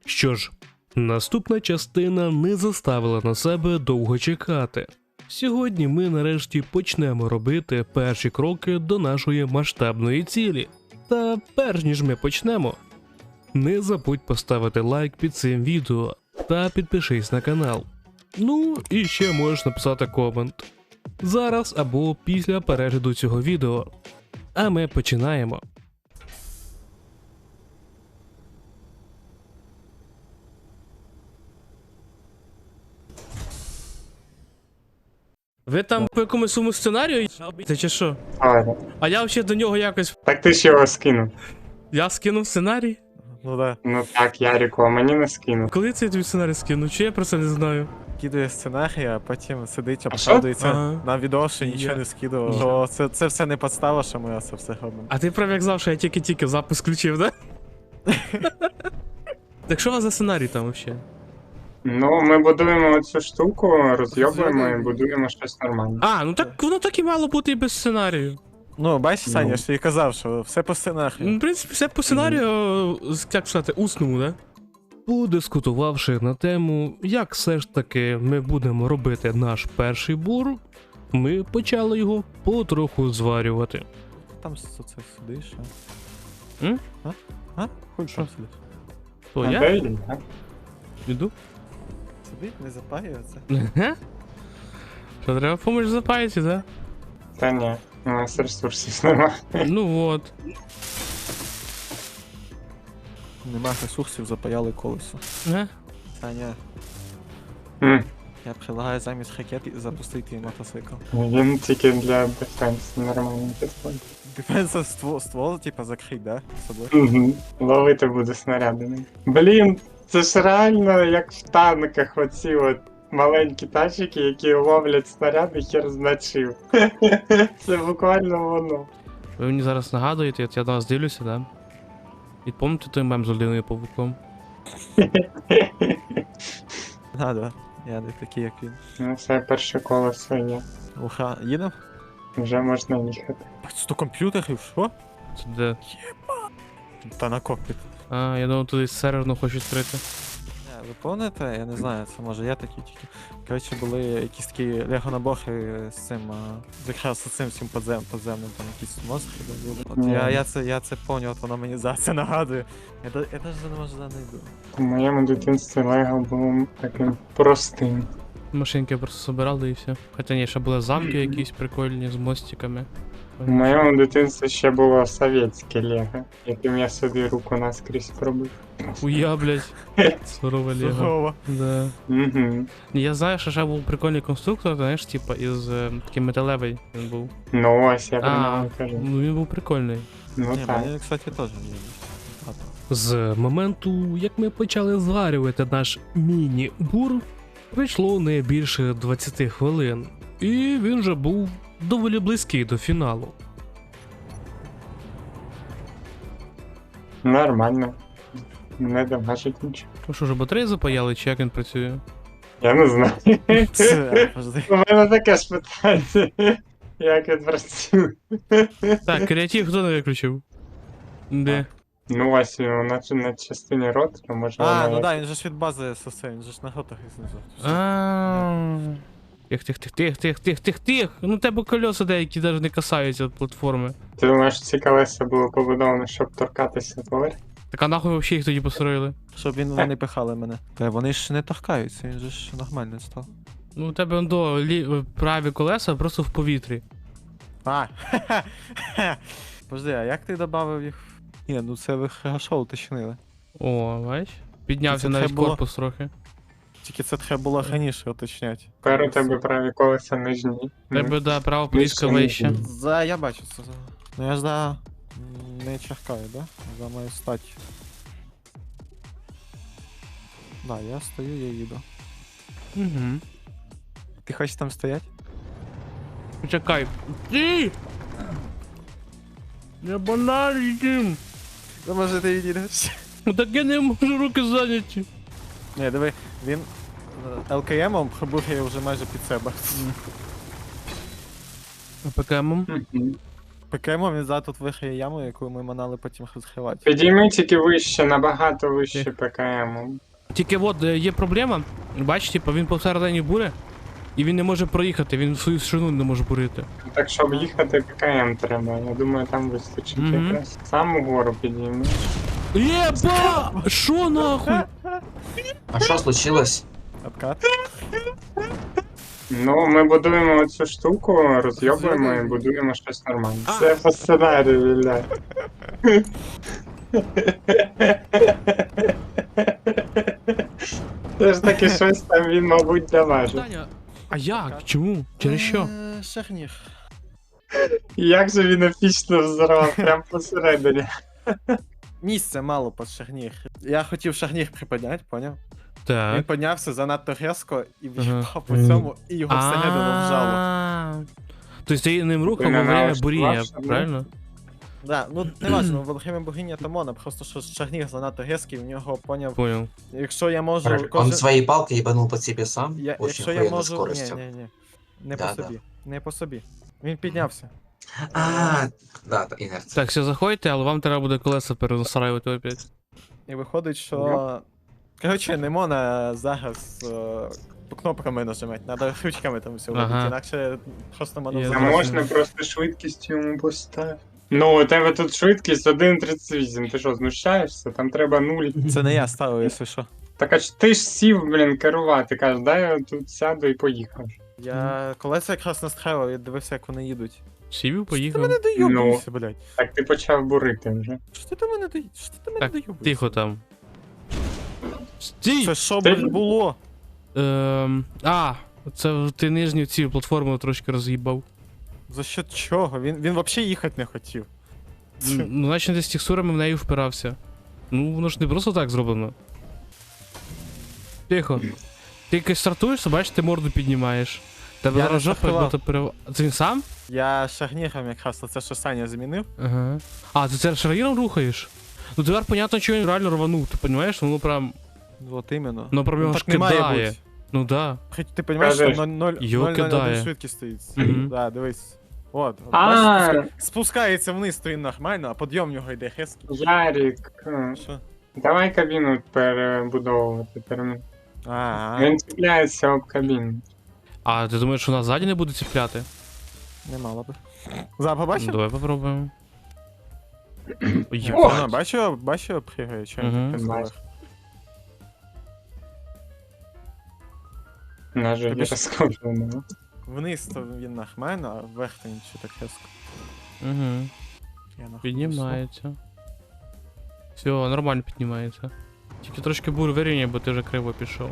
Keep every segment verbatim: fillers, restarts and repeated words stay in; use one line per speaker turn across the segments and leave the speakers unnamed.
Що ж, наступна частина не заставила на себе довго чекати. Сьогодні ми нарешті почнемо робити перші кроки до нашої масштабної цілі. Та перш ніж ми почнемо, не забудь поставити лайк під цим відео та підпишись на канал. Ну і ще можеш написати комент. Зараз або після перегляду цього відео. А ми починаємо. Ви там по якомусь своєму сценарію це чи що?
Ладно.
А я взагалі до нього якось.
Так ти ж його скинув.
Я скинув сценарій?
Ну да.
Ну так, Ярику, а мені не скинув.
Коли це я тобі сценарій скину? Чи я про це не знаю?
Кидає сценарій, а потім сидить,
А
обшадується
Ага.
на відео, що нічого
Я-
не скидував.
Я-
То це, це все не підстава, що ми це все робимо.
А ти прав як знав, що я тільки-тільки запис включив, да? Так що у вас за сценарій там взагалі?
Ну, ми будуємо оцю штуку, розйобуємо і
Розйобуємо.
будуємо щось нормальне.
А, ну так воно так і мало бути і без сценарію.
Ну, бачиш, Саня,
Ну.
що я казав, що все по
Ну,
сценарію.
в принципі, все по сценарію, як сказати, усному, да? Подискутувавши на тему, як все ж таки ми будемо робити наш перший бур, ми почали його потроху зварювати.
Там с- це сидиш, а?
М?
А? А? Хуй там сидиш.
То
А
я?
де він, а?
Іду.
Сидить, не запаюється.
Ага. Що, треба помочь запаяти, да?
Та ні, у нас ресурсів немає.
Ну от.
Нема ресурсів, запаяли колесо.
Ага.
Саня,
М,
я предлагаю замість ракет запустити мотоцикл.
Він тільки для дефенсу нормально підходить.
Дефенса ствол, ствол типа, закрить, да? З собою.
Угу. Ловити буде снарядами. Блін, це ж реально як в танках оці от маленькі тачики, які ловлять снаряди, хер значив. Це буквально воно.
Ви мені зараз нагадуєте, от я на вас дивлюся, да? І пам'ятаєте той мем з людиною павуком?
А, да. Я не такий, як він.
Ну все, перше колесо є.
Уха, їдем?
Вже можна їхати.
сто комп'ютерів, що?
Це де?
Та на кокпіт.
А, я думав, туди серверну хочу відкрити.
Не, ви пам'ятаєте, я не знаю, це може я такий тільки. Коротше, були якісь такі лего-набори з цим, а, якраз з цим всім подзем, подземним, там якісь монстри були. От
Ні.
я, я це, я це пам'ятаю, от воно мені за це нагадує. Я, да- я навіть не можу знайду.
У моєму дитинстві Лего було таким простим.
Машинки просто собирали і все. Хоча ні, ще були замки якісь прикольні з мостиками.
У моєму дитинстві ще було совєтське Лего, яким я собі руку наскрізь пробив.
Хуя, блядь. Сурове лего.
Здорово.
Да.
Угу.
Я знаю, що ще був прикольний конструктор, знаєш, типа із е, таким металевий він був.
Ну ось, я про
А,
нього кажу.
ну він був прикольний.
Ну
Ні,
так.
мені, кстати, теж не є.
З моменту, як ми почали зварювати наш міні-бур, пройшло не більше двадцять хвилин, і він вже був доволі близький до фіналу.
Нормально. Не дамажить нічого.
Ну що ж, батареї запаяли, чи як він працює?
Я не знаю.
Це, подожди.
У мене таке ж питання. Як він працює?
Так, креатив хто не виключив? Де?
Ну ось, наче на частині рот, то може
А,
вона
ну
як-
да, він же ж від бази сосе, він же ж на готах і знизу.
А. Тих, тих, тих, тих, тих, тих, тих, тих. Ну тебе колеса деякі навіть не касаються від платформи.
Ти думаєш, ці колеса було побудовано, щоб торкатися поверх?
Так а нахуй взагалі їх тоді построїли?
Щоб він вони пихали мене. Та вони ж не торкаються, він же ж нормально став.
Ну у тебе он до лі... праві колеса просто в повітрі.
А, Подожди, а як ти додав їх? Ні, ну це ви хорошо уточнили.
О, бач? Піднявся
Це
навіть
треба було-
корпус трохи.
Тільки це треба було раніше уточняти.
Тепер у тебе праві колеса нижні.
У тебе, да, права поліска
Нижче,
вища.
нижче.
За, я бачу це. Ну я ж за... м, не чекаю, да? За мою стать. Да, я стою, я їду.
Угу.
Ти хочеш там стоять?
Почекай. Ти! Я баналі їм.
Ну може ти відійдеш?
Ну так я не можу, руки зайняті.
Ні, диви, він ЛКМом пробує вже майже під себе.
А ПКМом?
Мгм.
Пекемо, він за тут виграє яму, яку ми манали потім розкривати.
Підійми тільки вище, набагато вище ПКМ.
Тільки от е, є проблема, бач, типу, він посередині буре, і він не може проїхати, він свою шину не може бурити.
Так, щоб їхати ПКМ треба. Я думаю, там вистачить
Мгм.
якраз. Саму гору підійми.
Єба! Шо нахуй?
А що случилось?
Откат.
Ну, ми будуємо цю штуку, розйобуємо і
Розйобуємо.
будуємо щось нормальне.
А.
Це по сценарію, Ілля. Це ж таки щось там він, мабуть, даважив.
Таня, а як? Чому? Через що?
Е, Шагнір.
Як же він епічно взорвав, прям посередині.
Місця мало під шагнір. Я хотів шагнір приподняти, поняв? Він
Так.
піднявся занадто різко і
Ага.
в'їхав по цьому, і його всередину вжало.
А. Тобто ти ним рухав
Ти
во
не
время
налаштувався,
буріння,
да?
правильно?
Да, ну не важливо, во время богиня Тамона, просто що шагнір занадто різкий, в нього поняв.
Понял.
Якщо я можу.
Он
Он
кожен-
своей палкой ебанул по себе сам.
Я,
Очень
якщо я
охуенной
можу. Ні,
скоростью.
ні, ні. Не
Да,
по
да.
собі. Не по собі. Він піднявся.
А, да, да, инерция.
Так, все, заходьте, але вам треба буде колеса перенастраювати опять.
І виходить, що. Коротше, не можна зараз е, кнопками нажимати, треба ручками там все робити,
Ага.
інакше просто можна
Я
А
забрати.
можна просто швидкість йому поставити. Ну, у тебе тут швидкість один тридцять вісім, ти що, знущаєшся? Там треба нуль.
Це не я ставив, якщо що.
Так а ж ти ж сів, блін, керувати, кажеш, дай я тут сяду і поїхав.
Я колеса якраз настраював, я дивився, як вони їдуть.
Сівів,
Що ти
поїхав.
мене доюбуєшся, блядь?
Так ти почав бурити вже.
Що ти до мене доюбуєшся? Що ти до мене
Так,
доюбуєшся?
тихо там. Стій!
Це що,
Ти-
блядь, було?
Ем, а, це ти нижню цю платформу трошки роз'їбав.
За що чого? Він, він взагалі їхати не хотів.
М, Ну, наче ти з текстурами в неї впирався. Ну, воно ж не просто так зроблено. Тихо. Ти якось стартуєш, бачиш, ти морду піднімаєш. Тебе
Я
зараз
не
жопа,
стартував.
бо то перев... Це він сам?
Я шагніром якраз оце, що Саня змінив.
Ага. А, ти це шаргіром рухаєш? Ну тепер понятно, що він реально рванув, ти розумієш? Ну прям.
От іменно.
Ну прям його ж
так не має
кидає.
бути.
Ну да.
Хоч ти розумієш, що
Кажеш,
ноль
його
ноль ноль
кидає.
один швидкість стоїть.
Мгм.
Да, дивись. От, от
А.
бачиш, спуска- спускається вниз, то він нормально, а підйом в нього йде хеский.
Ярік, е,
Що?
давай кабіну перебудовувати. перем-
А,
Він цепляється об кабіну.
А ти думаєш, що нас ззаді не буде ціпляти?
не мало би. За,
Ну,
побачив?
давай попробуємо. Ой,
О!
Вона, бачив, бачив, пригає, що він
Мгм.
так сказав.
Бачу. На жаль,
Тобі
я
ж-
розкоплений.
Вниз то він нормально, а вверх то нічого так хеско.
Угу.
Я нахуй
Піднімається. Все, нормально піднімається. Тільки трошки бур вирівняй, бо ти вже криво пішов.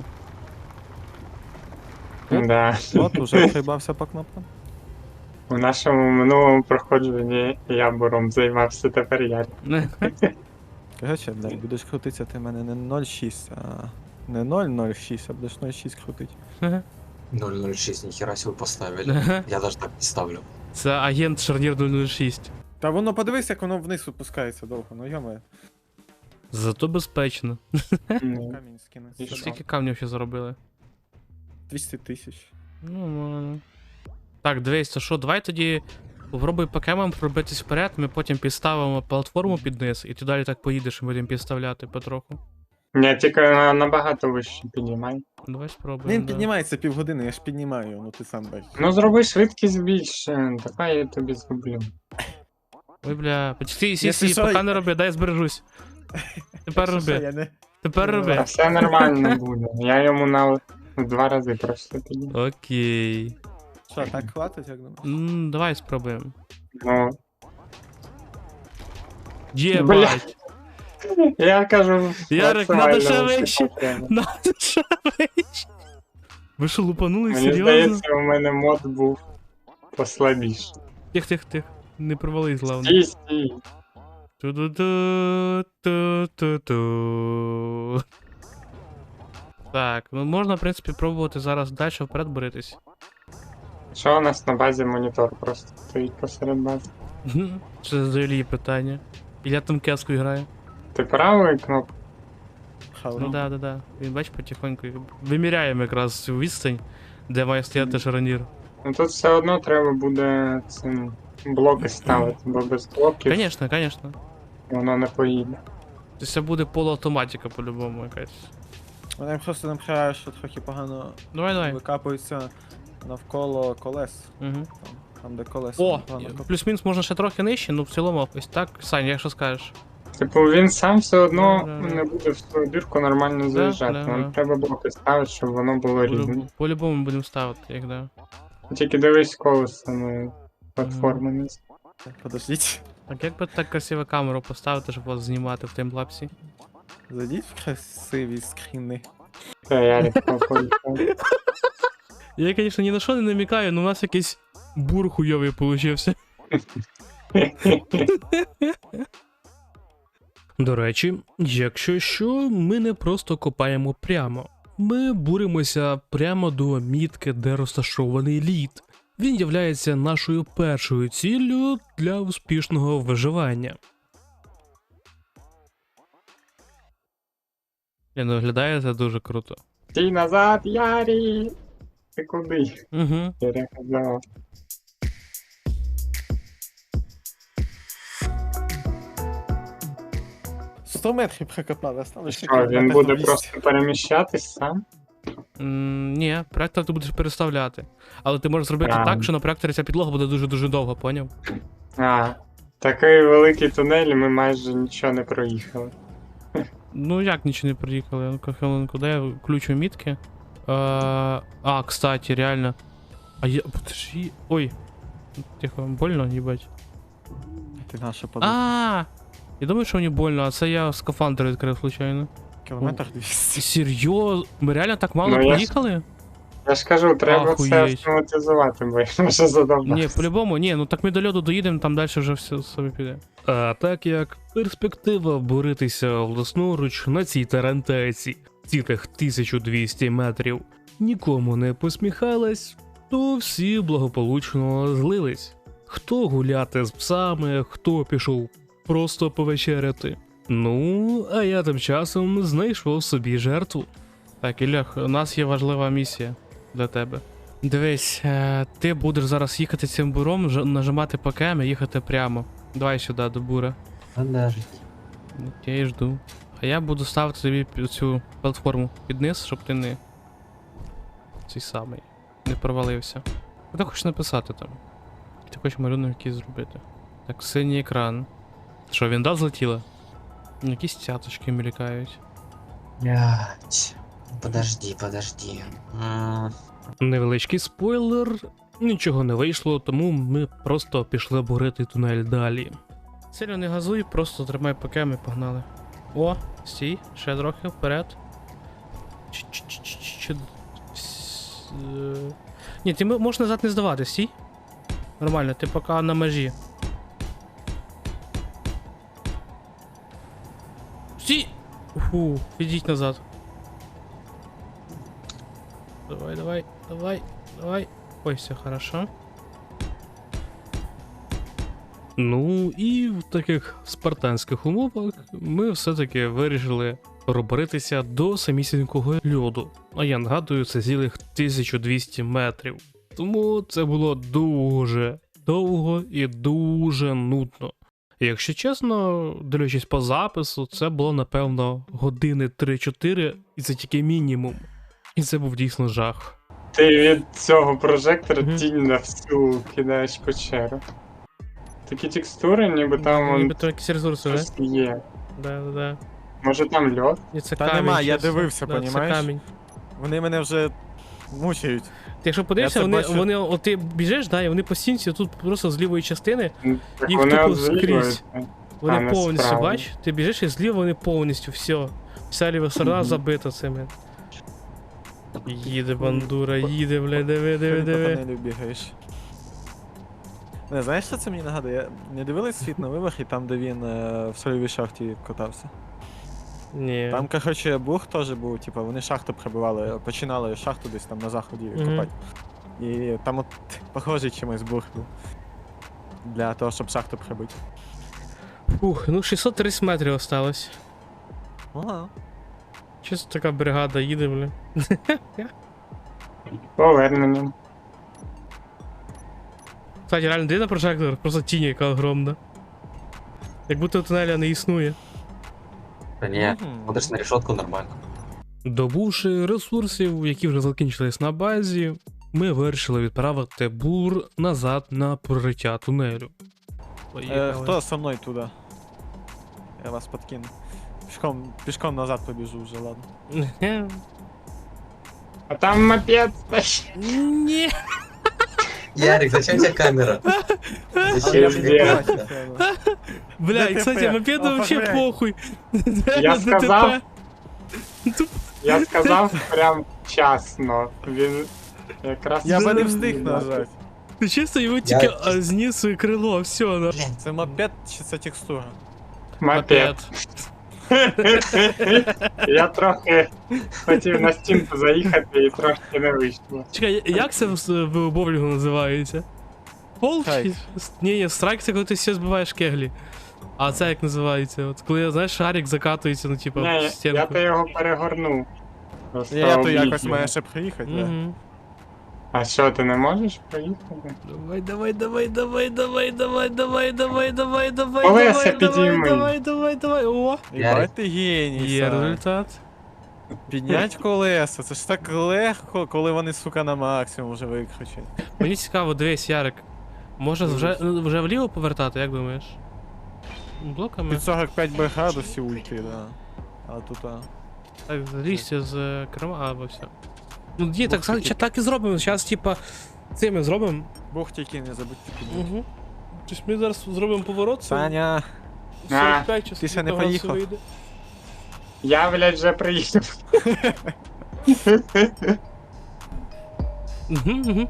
Да.
несу. От, уже приїбався по кнопкам.
У нашому минулому проходженні я буром займався, тепер я.
Короче, блядь, будеш крутитися, ти мене не ноль шість, а не нуль ноль шість, а будеш ноль шість крутить.
ноль ноль шесть, нихера себе поставили. Я даже так не ставлю.
Це агент Шарнір нуль нуль шість.
Та воно подивись, як воно вниз опускається довго, ну йоме.
Зато безпечно.
Ну,
Камінь скине.
І що?
Скільки камнів ще заробили?
двісті тисяч.
Ну, ну. Так, дивись, то що, давай тоді попробуй покемам пробитись вперед, ми потім підставимо платформу під низ, і ти далі так поїдеш, і будемо підставляти потроху.
Ні, тільки на- набагато вище піднімай.
Давай спробуємо.
Він
да.
піднімається півгодини, я ж піднімаю його, ну ти сам бачиш.
Ну зроби швидкість більше, давай я тобі зроблю.
Ой, бля, почти сі
Якщо
сі,
що,
поки
я-
не роби, дай збережусь. Тепер
Що, що,
роби,
я не...
тепер
Ну,
А
роби.
все нормально буде. Я йому на в два рази просто підніму.
Окей.
Що, так хватить, як думаєш?
М, давай спробуємо.
Ну,
Єбать.
я кажу,
Ярик,
максимально
надо ще
вище
вище.
покину.
Надо ще вище. Ви що, лупанули?
Мені
Серйозно?
здається, у мене мод був послабіше.
Тих, тих, тих. Не провались, главное.
Стій, стій.
Ту-ду-ду, ту-ту-ту. Так, ну можна, в принципі, пробувати зараз далі вперед боритись.
Що у нас на базі монітор просто стоїть посеред бази?
Це до Ілії питання. Ілля там кеску грає.
Ти правою кнопкою?
Хавро.
Ну да, да, да. Він бач потихоньку. Виміряємо якраз цю відстань, де має стояти шаронір.
Ну тут все одно треба буде цим блоки ставити, бо без блоків
Конечно, конечно.
воно не поїде.
Тобто це буде полуавтоматика по-любому якась.
Мене просто напрягає, що трохи погано
Давай, давай.
викапується навколо колес.
Угу.
Там, там де колеса.
О,
погано кап-
плюс-мінус можна ще трохи нижче, ну в цілому ось так. Сань, як що скажеш?
Типу він сам все одно
Да-да-да.
не буде в свою дірку нормально заїжджати.
да,
Нам
да.
треба блоки ставити, щоб воно було рівне.
По-любому- По-любому будемо ставити, як да.
Тільки дивись колесами платформи не з-
Подождіть.
Так як би так красиво камеру поставити, щоб вас знімати в таймлапсі?
Зайдіть в красиві скріни.
Та я рідко поїхав.
Я, звісно, ні на що не намікаю, але у нас якийсь бур хуйовий получився. До речі, якщо що, ми не просто копаємо прямо. Ми буримося прямо до мітки, де розташований лід. Він являється нашою першою ціллю для успішного виживання. Блін, виглядає це дуже круто.
Стій назад, Ярі! Ти куди?
Угу.
Я казав.
сто метрів прикопали, осталось ще
Що, він
кілометр
буде
двісті.
просто переміщатись сам?
М, ні, проектор ти будеш переставляти. Але ти можеш зробити
Правильно.
так, що на проекторі ця підлога буде дуже-дуже довго, поняв?
А, такий великий тунель, і ми майже нічого не проїхали.
Ну як нічого не приїхали? Ну-ка, хвилинку, де я включу мітки? Е, а, кстати, реально. А я. Подожди. Ой. Тихо, больно, їбать.
Ти наша подруга.
А! Я думаю, що мені больно, а це я скафандр відкрив случайно.
Кілометр двісті.
Серйозно? Ми реально так мало
Ну, я ж-
проїхали?
Я ж кажу, треба це
Ахуєть.
автоматизувати, бо я вже задовбався.
Ні, по-любому, ні, ну так ми до льоду доїдемо, там далі вже все собі піде. А так як перспектива боритися власноруч на цій тарантайці цілих тисячу двісті метрів нікому не посміхалась, то всі благополучно злились. Хто гуляти з псами, хто пішов просто повечеряти. Ну, а я тим часом знайшов собі жертву. Так, Ілях, у нас є важлива місія для тебе. Дивись, е, ти будеш зараз їхати цим буром, ж- нажимати по кем і їхати прямо. Давай сюди, до бура.
Подожди.
Я і жду. А я буду ставити тобі під цю платформу під низ, щоб ти не. Цей самий. Не провалився. Що ти хочеш написати там? Ти хочеш малюнок якийсь зробити. Так, синій екран. Що, вінда злетіла? Якісь цяточки мількають.
Блять. Подожди, подожди. М,
Невеличкий спойлер, нічого не вийшло, тому ми просто пішли бурити тунель далі. Сильно не газуй, просто тримай пакем і погнали. О, стій, ще трохи вперед. Ч-ч-ч-ч-ч- с- е, Ні, ти м- можеш назад не здавати, стій. Нормально, ти поки на межі. Стій! Фу, відійдь назад. Давай, давай, давай, давай. Ой, все хорошо. Ну і в таких спартанських умовах ми все-таки вирішили проборитися до самісінького льоду. А я нагадую, це цілих тисячу двісті метрів. Тому це було дуже довго і дуже нудно. І якщо чесно, дивлячись по запису, це було напевно години три-чотири, і це тільки мінімум. І це був дійсно жах.
Ти від цього прожектора
Мгм.
тінь на всю кидаєш печеру. Такі текстури, ніби там вон
Ніби то якісь ресурси, да?
щось є.
Да, да, да.
Може там льод?
І це
Та
камінь.
нема, я
чесно.
дивився,
Да, це
понімаєш?
камінь.
Вони мене вже мучають.
Ти якщо подивишся,
Я це
вони,
бачу.
вони, от ти біжиш, да, і вони по стінці тут просто з лівої частини,
Ну, Так
Їх
вони
тупо
от зліва,
скрізь.
а
вони
не
повністю,
справа.
бач, ти біжиш і зліва вони повністю, все. Вся ліва сторона
Мгм.
забита цими. Їде бандура, їде, бля, диви, диви,
Ти по
диви.
тунелю бігаєш. Не, знаєш, що це мені нагадує? Я не дивились світ на вибах і там, де він е, в сольовій шахті катався.
Ні.
Там, коротше, бух теж був, типу, вони шахту прибивали, починали шахту десь там на заході
Мгм.
копати. І там от похожий чимось бух був. Для того, щоб шахту прибити.
Фух, ну шістсот тридцять метрів осталось.
Ага.
Чисто така бригада їде, бля.
Поверненням.
Кстати, реально диви на прожектор, просто тінь яка огромна. Як будто тунеля не існує.
Да не,
Мгм.
смотришь на решетку нормально.
Добувши ресурсів, які вже закінчились на базі, ми вирішили відправити бур назад на прориття тунелю.
Е,
Поїхали.
хто со мною туди? Я вас подкину. Пішком, пішком назад побіжу вже, ладно.
А там мопед стоїть.
Ні.
Ярик, зачем тебе камера? Зачем
я
тебе
не
камера?
Бля, і,
ДТП,
кстати, мопеду вообще
оформляй.
похуй.
Я
ДТП.
сказав. Я сказав прям вчасно. Він якраз...
Я би не
Зараз.
встиг нажати.
Ти чисто його тільки
Я-
а, зніс своє крило, все, на.
Це мопед чи це текстура?
Мопед. Я трохи хотів на стінку заїхати і трошки не вийшло.
Чекай, як це в, в боулінгу називається? Пол чи?
Страйк.
Ні, ні, страйк це коли ти все збиваєш кеглі. А це як називається? От коли, знаєш, шарик закатується, ну типа,
Ні,
в
я- я
стінку.
то його перегорнув. Просто
Я то
облік
якось
його.
має ще приїхати, да.
Угу.
А що, ти не можеш проїхати?
Давай, давай, давай, давай, давай, давай, давай, давай, давай, давай,
Колеса
давай, давай,
підійми.
давай, давай, давай, о!
Єбать ти геній,
Є
Сань.
результат.
Піднять колеса, це ж так легко, коли вони, сука, на максимум вже викручать.
Мені цікаво, дивись, Ярик. Може вже, вже вліво повертати, як думаєш? Блоками?
Під сорок п'ять би градусів уйти, да. А тут, а...
Так, залізьте з е, керма, або все. Ну, є, так,
Бух,
так, так і зробимо. Зараз, типа, цими зробимо.
Бух тільки не забудьте підняти.
Угу. Тобто ми зараз зробимо поворот.
Саня,
сорок п'ять часов.
ти ще не поїхав.
Я, блядь, вже приїхав.
Угу, угу.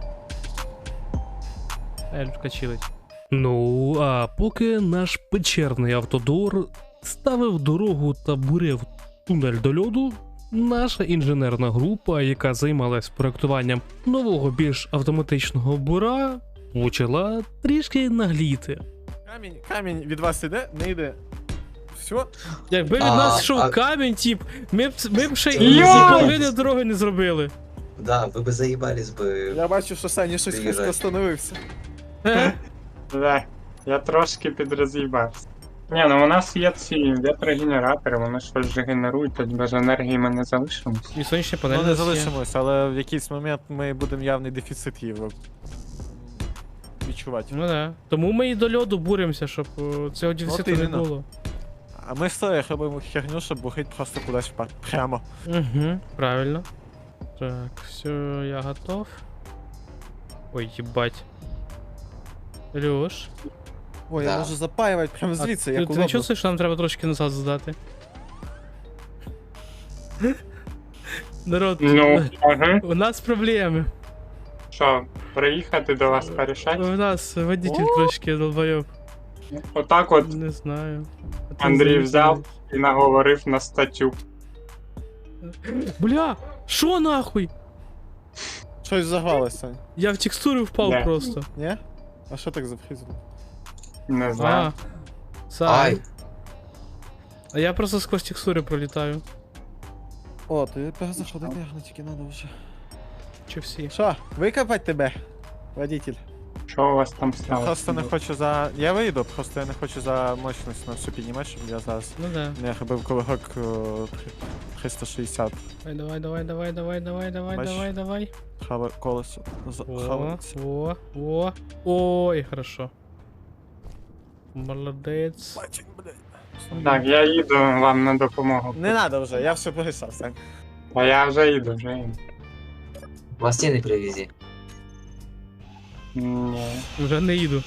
Ельфка чилить. Ну, а поки наш печерний автодор ставив дорогу та бурив тунель до льоду, наша інженерна група, яка займалась проектуванням нового більш автоматичного бура, почала трішки нагліти.
камінь, камінь від вас іде, не йде. Все?
Якби від
А,
нас йшов
а-
камінь, тіп, ми б, ми б ще
Йой!
і половини дороги не зробили.
Да, вы бы заебались бы.
Я бачу, що Саня щось
Приїжджай.
різко остановився.
Е?
Да, я трошки підроз'їбався. Ні, ну у нас є ці вітрогенератори, вони щось же генерують, тут без енергії ми не залишимось.
І сонячні панелі.
Ну
у
не
нас є.
залишимось, але в якийсь момент ми будемо явний дефіцит її відчувати.
Ну да. Тому ми і до льоду буримося, щоб о, цього дефіциту не
іменно.
було.
А ми з тобою робимо херню, щоб бухить просто кудись впад. Прямо.
Угу, правильно. Так, все, я готов. Ой, ебать. Леш.
Ой,
Да.
я можу запаювати прямо звідси,
а,
як
ти, ти не чувствуєш, що нам треба трошки назад здати? Народ,
Ну, ага.
у нас проблеми.
Що, приїхати до вас порішати?
У нас водитель
О!
трошки долбойоб.
Отак от
Не знаю. А ти
Андрій
завіть.
взяв і наговорив на статтю.
Бля, шо нахуй?
Щось загралося, Сань.
Я в текстуру впав
Да.
просто.
Ні? А що так зафрізило?
Не знаю.
А, Сань.
Ай,
А я просто сквозь текстури пролітаю.
О, ти перезаходити, наверное, тільки надо вже.
Чи всі?
Що, викопать тебе, водитель?
Що у вас там
Я
сталося?
просто не хочу за... Я вийду, просто я не хочу за мощність на всю піднімати, щоб я зараз
Ну да.
не робив ковигок е, три- триста шістдесят.
Давай, давай, давай, давай, давай, давай,
Бачиш?
давай, давай.
Хаве колесо. За-
О,
хавається.
о, о. Ой, хорошо. Молодець.
Бачик, блядь.
Так, я їду вам на допомогу.
Не надо вже, я все порішав, Сань.
А я вже їду, вже їду.
пластины привези.
Ні.
Вже не їду.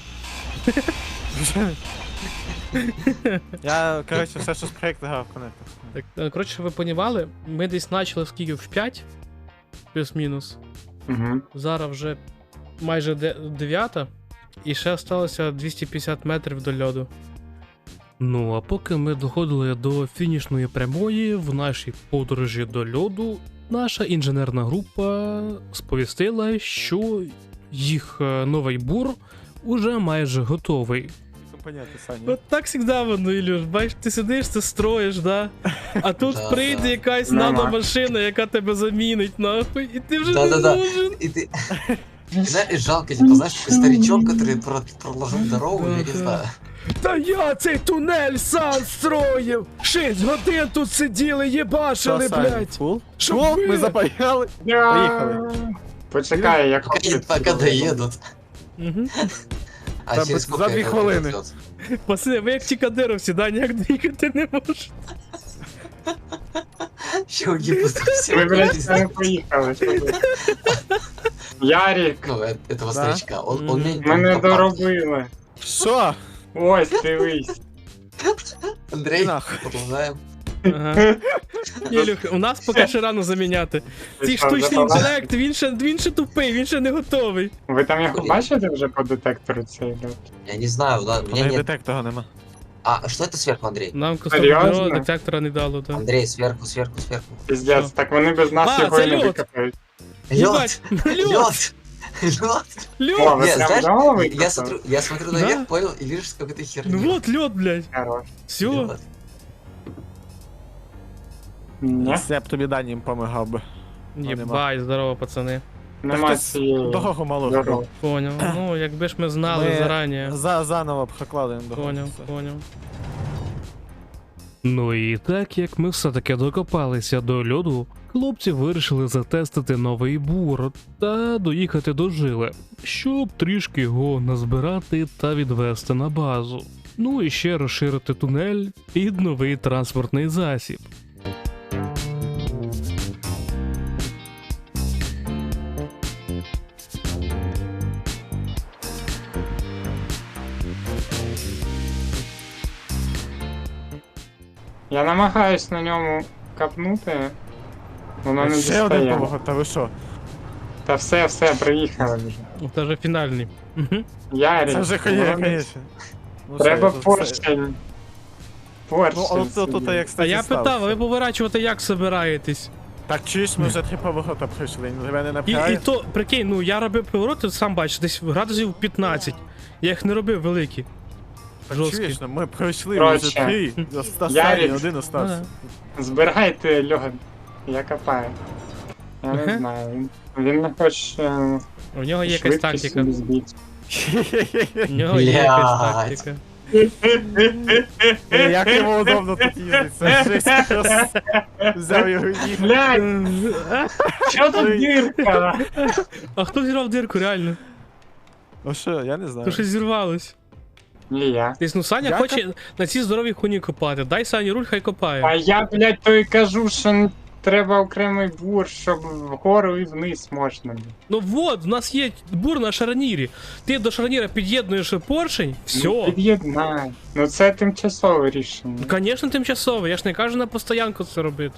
Я, коротше, все, що з проєкту грав конектор.
Так, е, коротше, щоб ви понімали, ми десь почали скільки в п'ять, плюс-мінус.
Угу.
Зараз вже майже де- дев'ята, і ще залишилося двісті п'ятдесят метрів до льоду. Ну, а поки ми доходили до фінішної прямої в нашій подорожі до льоду, наша інженерна група сповістила, що їх е, новий бур уже майже готовий.
Понятно, Саня.
От так завжди воно, Ілюш, бачиш, ти сидиш, ти строїш, да? А тут
Да,
прийде
да.
якась
Нема.
наномашина, яка тебе замінить, нахуй, і ти вже
Да,
не
да, да.
нужен.
И ты... Знаешь, жалко, типа, знаешь, такой старичок, который про- проложил дорогу, я не
Да,
знаю.
Та я цей тунель сам строїв! Шість годин тут сиділи, єбашили,
Що, Саня,
блядь!
фул?
Щоб
Фул?
ви-
Ми запаяли. Поїхали.
Почекай, я
Пока,
хочу.
пока доедут.
Угу.
А
Да,
через
за
сколько
две
это
хвилини.
произойдет?
Пацани, ви як ті кадировці, да, ніяк двігати не можете.
Ще уїбуть
Ви,
всі.
блядь, не поїхали. що ви? Ярік,
Ну, э- этого
Да.
старичка. Он, он
Мгм.
умеет
ми не
копать.
доробили.
Що?
Ось, дивись.
Андрей,
Нахуй.
продолжаем.
Ага. Ні, Люх, у нас поки ще рано заміняти.
Ти
Цей
що,
штучний
запалав?
інтелект, він ще, він ще тупий, він ще не готовий.
Ви там його бачите вже по детектору цей льот?
Я не знаю, да, у меня
У них
нет...
детектора нема.
А, что это сверху, Андрей?
Нам
Серйозно?
кустом детектора не дало, так.
Андрей, сверху, сверху, сверху.
Піздець,
Що?
так вони без нас
А,
його
це
і не
льот.
викопають.
Єбать,
Лед!
льот,
Лед! Лед!
О,
льот.
ви
Нет,
прям
знаешь,
вдало
я
викопали?
смотрю, я смотрю
Да.
наверх, понял, и вижу, что какая-то херня.
Ну вот льот, блядь.
Хорош.
Все.
Лед.
Ні,
Я б тобі данім помагав би.
Єбать, здорово, пацани.
нема
хтось
цієї.
Дорогу малу
Дорогу.
зробив.
Поняв. Ну, якби ж ми знали
Ми
зарані.
За, заново б прокладаємо дорогу.
Поняв,
Все.
поняв. Ну і так як ми все-таки докопалися до льоду, хлопці вирішили затестити новий бур та доїхати до жили, щоб трішки його назбирати та відвести на базу. Ну і ще розширити тунель під новий транспортний засіб.
Я намагаюсь на ньому капнути. Воно не
Ще один
дістає.
поворот, та ви що?
Та все, все, приїхали вже.
Це вже фінальний. Мгм.
Ярик.
Це вже
воно
хує,
не-
звісно. Ну,
Треба
все, це-
поршень. Поршень.
Ну, от тут
собі.
як
А
кстати,
я
стався.
питав, ви поворачувати як собираєтесь?
Так чуєш, ми вже три поворота пройшли, тебе не
І, і
напрягає?
то, прикинь, ну я робив повороти, сам бачиш, десь градусів п'ятнадцять. Я їх не робив великі.
Так
жорсткі.
чуєш, ну, ми пройшли
Коротше,
вже три. Останній
Ярик.
один остався.
Збирайте льод. Я копаю. Я не
Ага.
знаю. Він, він не хоче.
У нього є якась
швидкість
тактика.
собі збити.
У нього є якась
Блядь.
тактика.
Е, Як йому удобно тут їздити, це жесть просто. Взяв його і їхав.
Блядь, що тут дірка?
А хто зірвав дирку, реально?
Ну що, я не
То
знаю.
щось зірвалось.
Не я.
Десь, ну Саня
Я
хоче на цій здоровій хуйні копати. Дай Сані руль, хай копає.
А я, блядь, то і кажу, що н- треба окремий бур, щоб вгору і вниз можна було.
Ну вот, в нас є бур на шарнірі. Ти до шарніра під'єднуєш поршень,
Ну,
все.
під'єднай. Ну це тимчасове рішення.
Ну, звісно, тимчасово, я ж не кажу на постоянку це робити.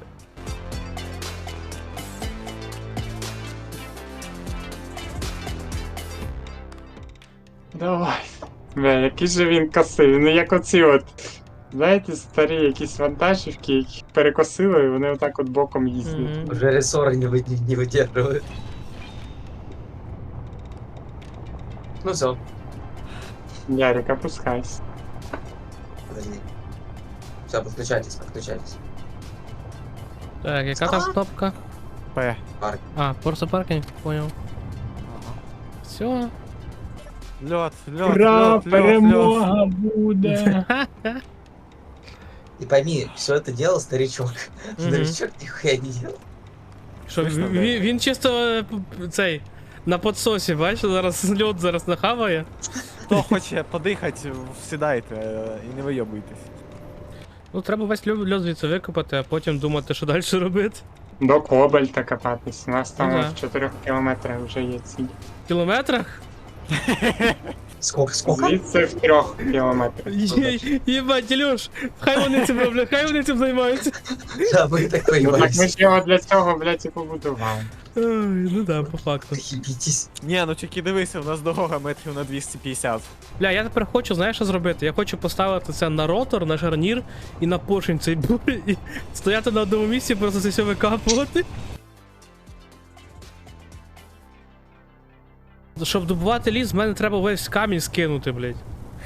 Давай. Бля, який же він косив. Ну як оці от. Знаєте, старі якісь вантажівки, які перекосили, і вони отак от боком їздять.
Мгм.
Уже рессоры не, вы- не выдерживают. Ну все,
Ярик, опускайся.
подожди. Все, подключайтесь, подключайтесь.
Так, яка там кнопка?
П.
А, просто паркінг, понял. Все.
Льот, льот,
Ура,
льот, льот, льот.
перемога буде!
И пойми, все это делал старичок.
Мгм.
Старичок нихуя не делал.
Що,
Слышно,
він,
да?
він, він чисто е, п- п- цей. На подсосі, бачиш, зараз льот зараз нахаває.
Хто хоче подихати, сідайте е, і не вийобуйтесь.
Ну, треба весь льот льот звідси викопати, а потім думати, що далі робити.
До Кобальта копатись. У нас там
Ну да.
в чотирьох кілометрах вже є ці.
В кілометрах?
Сколько, сколько?
Звідси в трьох кілометрах.
Є- Єбать, Ілюш, хай вони цим роблять, хай вони цим займаються.
Да, мы так
Ну так ми
поебались.
ж його для цього, блядь, і побудували.
Ой, ну да, по факту.
Ебитесь.
Ні, ну тільки дивися, у нас дорога метрів на двісті п'ятдесят.
Бля, я тепер хочу, знаєш, що зробити? Я хочу поставити це на ротор, на шарнір і на поршень цей бур, і стояти на одному місці, просто це все викапувати. Щоб добувати ліс, з мене треба весь камінь скинути, блядь.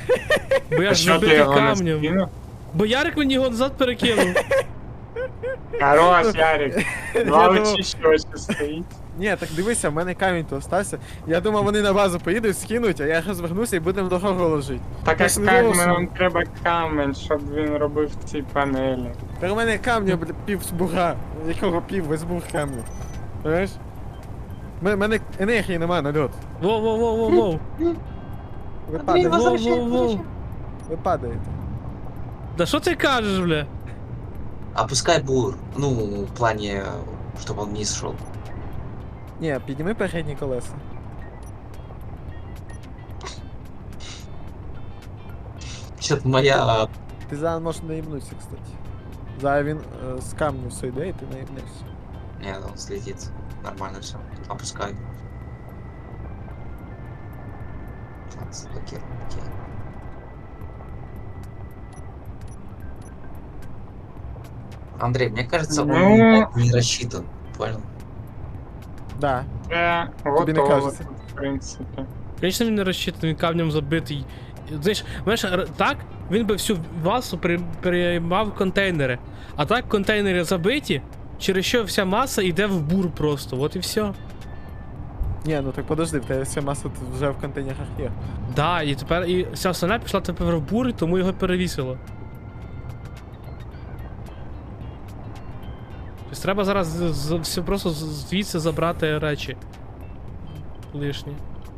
Бо я
А
ж
що ти
забитий
його не
камнем.
скинув?
Бо Ярик мені його назад перекинув.
Хорош, Ярик. Два
Я думав-
очі щось стоїть.
Ні, так дивися, в мене камінь то остався. Я думав, вони на базу поїдуть, скинуть, а я розвернуся і будемо дорогу ложити.
Так
Я
як
ж не
камінь,
голосую.
нам треба камінь, щоб він робив ці панелі.
Та у мене камня, бля, пів з буга. Якого пів, весь буг камню. Понимаєш? У мене енергії нема на льот.
Воу-воу-воу-воу-воу.
Ви падаєте.
Воу-воу-воу.
Ви падаєте.
Да що ти кажеш, бля?
Опускай бур. Ну, в плане, чтобы он вниз шел.
Ні, підніми передні колеса.
Что-то моя...
Ти зараз можеш наїбнутися, кстати. Зараз він е, з камню сойде і ти наїбнешся.
Нет, он слетит. Нормально все. Опускай. Так, заблокировал. Окей. Андрей, мне кажется, он
Ну.
не рассчитан. Понял?
Да.
Це
не
готово,
кажеться?
в принципі.
Звісно, він не розчитаний, він камнем забитий. Знаєш, знаєш, р- так він би всю масу при- приймав контейнери. А так контейнери забиті, через що вся маса йде в бур просто, от і все.
Ні, ну так подожди, в тебе вся маса тут вже в контейнерах є.
Да, і тепер і вся остальна пішла тепер в бур, і тому його перевісило. Тобто треба зараз з- з- все просто з- звідси забрати речі. Лишні.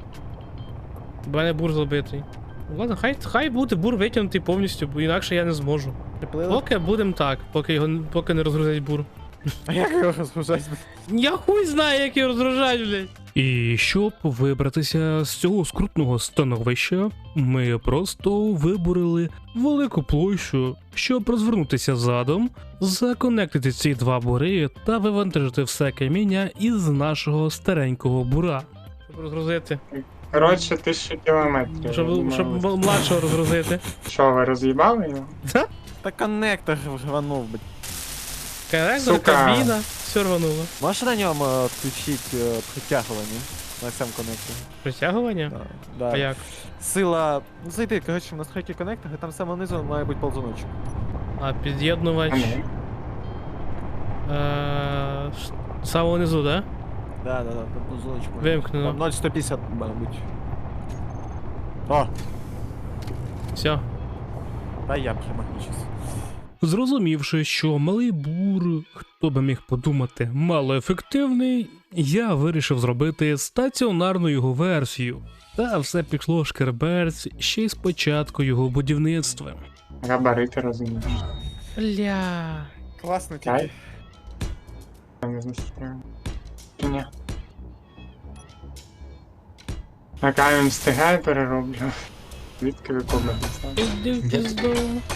У мене бур забитий. Ладно, хай, хай буде бур витягнутий повністю, бо інакше я не зможу.
Приплили?
Поки будемо так, поки його поки не розгрузять бур.
А як його розгружати?
Я хуй знаю, як його розгружать, блядь. І щоб вибратися з цього скрутного становища, ми просто виборили велику площу, щоб розвернутися задом, законектити ці два бури та вивантажити все каміння із нашого старенького бура. Щоб розгрузити.
Коротше, тисячу кілометрів. я
Щоб,
думаю.
щоб м- младшого розгрузити.
Що, ви роз'їбали його?
Та коннектор рванув, блядь.
Коннектор,
Сука.
кабіна, все рвануло.
Можеш на ньому е, включити е, притягування? На цьому коннекторі?
Притягування?
Да. Да.
А як?
Сила. Ну зайди, коротше, в настройки коннектора, там саме внизу має бути ползуночок.
А під'єднувач.
А ні.
Е, ш- Саме внизу, да?
Да, да, да, там ползуночок. має бути.
Вимкнено.
Там нуль сто п'ятдесят, має бути. О,
Все.
та я примагнічусь.
Зрозумівши, що малий бур, хто би міг подумати, малоефективний, я вирішив зробити стаціонарну його версію. Та все пішло шкерберць ще й з початку його будівництва.
Габарити розумієш.
Бля.
Класно
Ай.
тільки.
Я не застряв. Ні. А камінь встигає перероблю. Звідки ви комнатися?
Іди в пізду.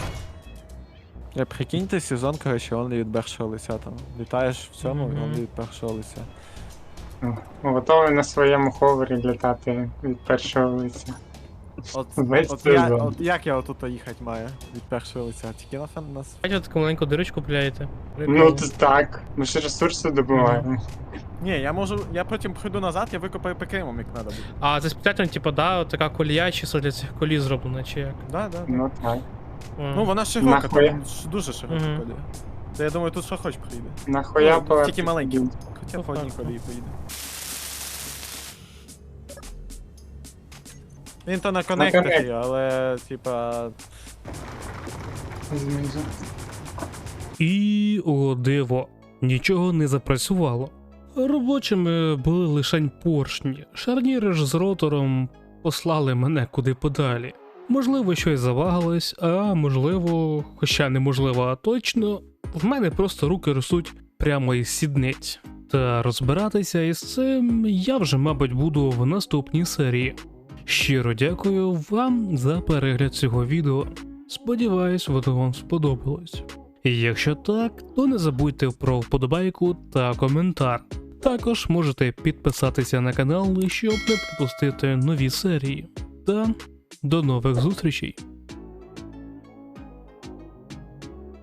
Я прикиньте сезон, коротше, он від першого лиця там. Літаєш в цьому,
Мгм.
і он від першого лиця.
Готовий на своєму ховері літати від першого лиця.
От,
Весь
от, я,
сезон.
от як я отут їхати маю від першого лиця? Тільки на фан нас.
Бачите, таку маленьку дирочку пиляєте.
Ну то так. Ми ж ресурси добуваємо.
Ні, я можу, я потім прийду назад, я викопаю ПКМом, як треба буде.
А це спеціально, типу, да, от така колія чисто для цих колій зроблена, чи як?
Да, да. да.
Ну так.
А.
Ну вона широка,
Нахуя?
там ж дуже широка
Мгм.
колія. Та я думаю, тут що хоч приїде.
Нахуя
Ну,
по
тільки маленький. Хоча
Ну,
по одній
так,
колії поїде. Він то на коннекторі,
коннекторі.
але типа.
Знизу.
І, о диво, нічого не запрацювало. Робочими були лише поршні, шарніри ж з ротором послали мене куди подалі. Можливо, щось завагалось, а можливо, хоча неможливо, а точно, в мене просто руки ростуть прямо із сідниць. Та розбиратися із цим я вже, мабуть, буду в наступній серії. Щиро дякую вам за перегляд цього відео. Сподіваюсь, воно вам сподобалось. Якщо так, то не забудьте про вподобайку та коментар. Також можете підписатися на канал, щоб не пропустити нові серії. Та до нових зустрічей!